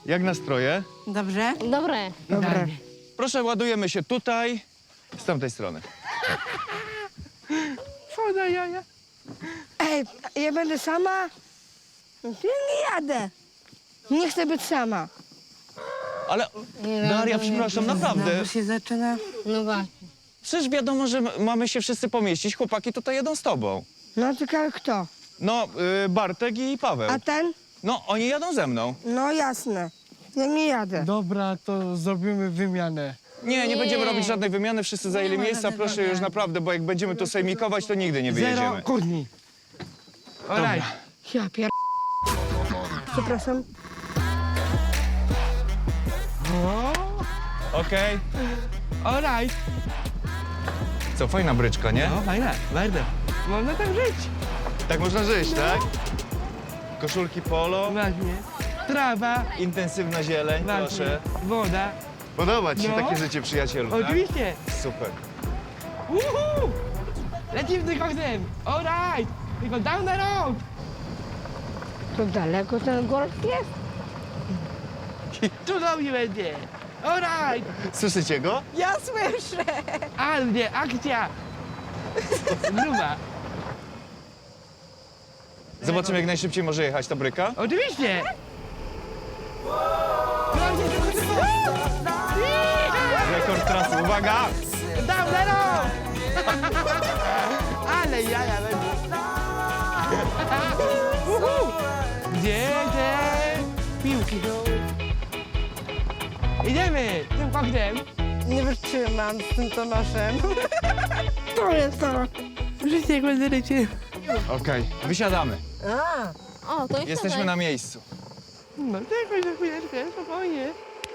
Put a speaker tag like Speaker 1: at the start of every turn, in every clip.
Speaker 1: Jak nastroje?
Speaker 2: Dobrze?
Speaker 3: Dobre.
Speaker 2: Dobre.
Speaker 1: Proszę, ładujemy się tutaj, z tamtej strony.
Speaker 2: Foda jaja. Ej, ja będę sama? Ja nie jadę. Nie chcę być sama.
Speaker 1: Ale Daria, przepraszam, naprawdę.
Speaker 2: Znowu się zaczyna.
Speaker 3: No właśnie.
Speaker 1: Przecież wiadomo, że mamy się wszyscy pomieścić. Chłopaki tutaj jedą z tobą.
Speaker 2: No tylko kto?
Speaker 1: No, Bartek i Paweł.
Speaker 2: A ten?
Speaker 1: No, oni jadą ze mną.
Speaker 2: No jasne. Ja nie jadę.
Speaker 4: Dobra, to zrobimy wymianę.
Speaker 1: Nie, nie będziemy robić żadnej wymiany, wszyscy zajęli miejsca. Proszę już naprawdę, bo jak będziemy tu sejmikować, to nigdy nie
Speaker 4: Zero
Speaker 1: wyjedziemy.
Speaker 4: kłótni. Alright.
Speaker 2: Ja pier... Przepraszam.
Speaker 1: Okej.
Speaker 4: Alright.
Speaker 1: Co, fajna bryczka, nie?
Speaker 4: No, fajne, bardzo. Można tak żyć.
Speaker 1: Tak można żyć, tak? Koszulki polo,
Speaker 4: Właśnie. Trawa,
Speaker 1: intensywna zieleń,
Speaker 4: właśnie.
Speaker 1: proszę.
Speaker 4: Woda.
Speaker 1: Podoba ci się
Speaker 4: No.
Speaker 1: takie życie, przyjacielu, tak?
Speaker 4: Oczywiście.
Speaker 1: Super.
Speaker 4: Uhu! Lecimy z tym koksem. Alright. Tylko down the road.
Speaker 2: To daleko ten golf jest?
Speaker 4: Tu do mnie będzie. Alright.
Speaker 1: Słyszycie go?
Speaker 2: Ja słyszę.
Speaker 4: Ale mnie, akcja. Gruba.
Speaker 1: Zobaczymy, jak najszybciej może jechać ta bryka.
Speaker 4: Oczywiście.
Speaker 1: Rekord trasy, uwaga!
Speaker 4: Down the road. Ale jaja będzie. Uhu. Gdzie te piłki są? Idziemy tym koksem.
Speaker 2: Nie wytrzymam z tym Tomaszem. To jest to.
Speaker 4: Życie go zrycie.
Speaker 1: Okej, wysiadamy.
Speaker 3: O, to
Speaker 1: Jesteśmy na miejscu.
Speaker 4: No czekaj za chwileczkę, spokojnie.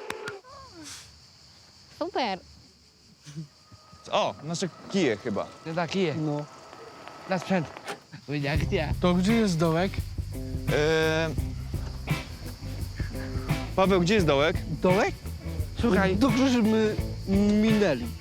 Speaker 3: Super.
Speaker 1: O, nasze kije chyba.
Speaker 4: To taki jest. No. Na sprzęt. Będzie akcja. To gdzie jest dołek?
Speaker 1: Paweł, gdzie jest dołek?
Speaker 4: Dołek? Słuchaj.
Speaker 5: Dobrze, że my minęli.